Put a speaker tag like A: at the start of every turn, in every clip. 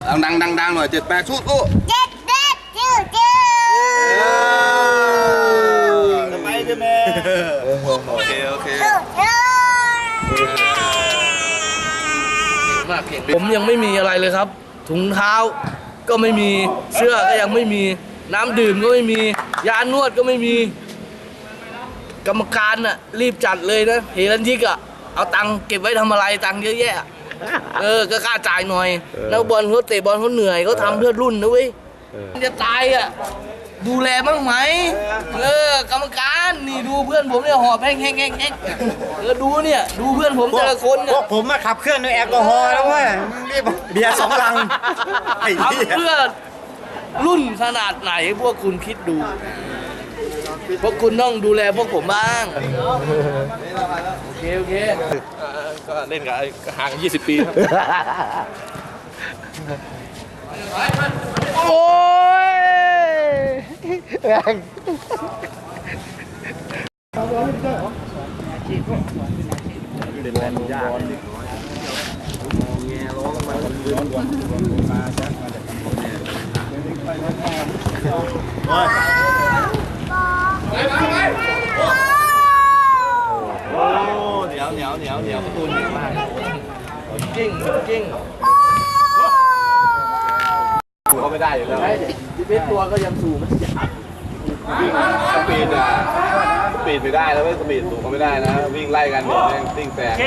A: ดังหน่อย78สู้
B: เจ็ดจืด
A: ทำไมเจ้าแม่โอเค
C: ผมยังไม่มีอะไรเลยครับ ถุงเท้าก็ไม่มีเสื้อก็ยังไม่มีน้ำดื่มก็ไม่มียานวดก็ไม่มีกรรมการน่ะรีบจัดเลยนะเฮลันทิกอะเอาตังค์เก็บไว้ทำอะไรตังค์เยอะแยะก็กล้าจ่ายหน่อยนักบอลเขาเตะบอลเขาเหนื่อยเขาทำเพื่อรุ่นนะเว้ยจะตายอะดูแลบ้างไหมกรรมการนี่ดูเพื่อนผมเนี่ยหอบแห้งดูเนี่ยดูเพื่อนผมแต่ละคนเนี่ย
D: พวกผมมาขับเคลื่อนด้วยแอลกอฮอล์แล้วเว้ยรีบเบียร์2 ลัง
C: ทำเพื่อรุ่นขนาดไหนพวกคุณคิดดูพวกคุณต้องดูแลพวกผมบ้างโอเค
A: ก็เล่นกับห่าง20 ปีครับ
D: โอ้ยแรง
A: เป็นแลนด์ยากเหนียวประตูเหนียวมาก
C: กิ้ง
A: ถูกเขาไม่ได้อยู่แล้ว
C: ที่เป็นตัวก็ยังสูงมัน
A: สปีดไม่ได้แล้วไม่สปีดถูกเขาไม่ได้นะวิ่งไล่กันเนี่ยแม่งติ้งแตก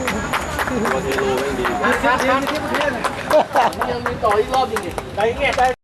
A: ตัวเทโลไม่ดี
C: ยังมีต่ออีกรอบจริงๆ